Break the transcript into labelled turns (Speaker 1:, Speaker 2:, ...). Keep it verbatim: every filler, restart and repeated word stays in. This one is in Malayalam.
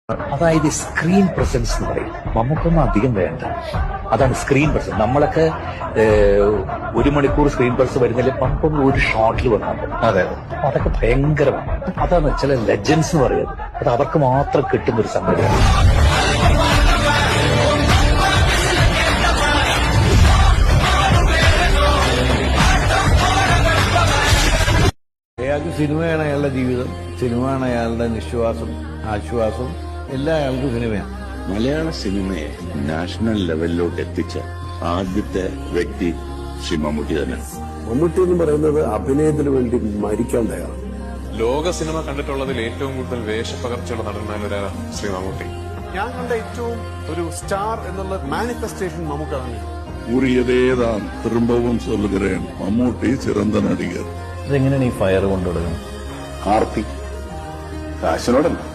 Speaker 1: അതായത് സ്ക്രീൻ പ്രസൻസ് എന്ന് പറയും. നമുക്കൊന്നും അധികം വേണ്ട, അതാണ് സ്ക്രീൻ പ്രസൻസ്. നമ്മളൊക്കെ ഒരു മണിക്കൂർ സ്ക്രീൻ പ്രസൻസ് വരുന്നില്ല, നമുക്കൊന്നും ഒരു ഷോട്ടിൽ വന്നാൽ അതെ അതൊക്കെ ഭയങ്കരമാണ്. അതാണ് ചില ലെജൻസ് എന്ന് പറയുന്നത്. അത് അവർക്ക് മാത്രം കിട്ടുന്ന ഒരു സംഗതിയാണ്.
Speaker 2: അയാൾക്ക് സിനിമയാണ് അയാളുടെ ജീവിതം, സിനിമയാണ് അയാളുടെ നിശ്വാസം, ആശ്വാസം, എല്ലാം അയാൾക്ക് സിനിമയാണ്.
Speaker 3: മലയാള സിനിമയെ നാഷണൽ ലെവലിലോട്ട് എത്തിച്ച ആദ്യത്തെ വ്യക്തി ശ്രീ മമ്മൂട്ടി തന്നെ.
Speaker 4: മമ്മൂട്ടി എന്ന് പറയുന്നത് അഭിനയത്തിന് വേണ്ടി മരിക്കാൻ തയ്യാറാണ്.
Speaker 5: ലോക സിനിമ കണ്ടിട്ടുള്ളതിൽ ഏറ്റവും കൂടുതൽ വേഷപ്പകർച്ചയുള്ള നടന്മാരൊരാളാണ് ശ്രീ മമ്മൂട്ടി.
Speaker 4: ഞാൻ കണ്ട ഏറ്റവും ഒരു സ്റ്റാർ എന്നുള്ള മാനിഫെസ്റ്റേഷൻ മമ്മൂക്ക തന്നെ.
Speaker 3: കൂറിയതേതാൻ തിരുമ്പവും സൊല്ലുകരേൻ മമ്മൂട്ടി ചിറந்த നടികർ.
Speaker 1: ഇതെങ്ങനെയാണ് ഈ ഫയർ കൊണ്ടുകൊടുക്കുന്നത്?
Speaker 3: ആർത്തി കാശിനോടല്ല.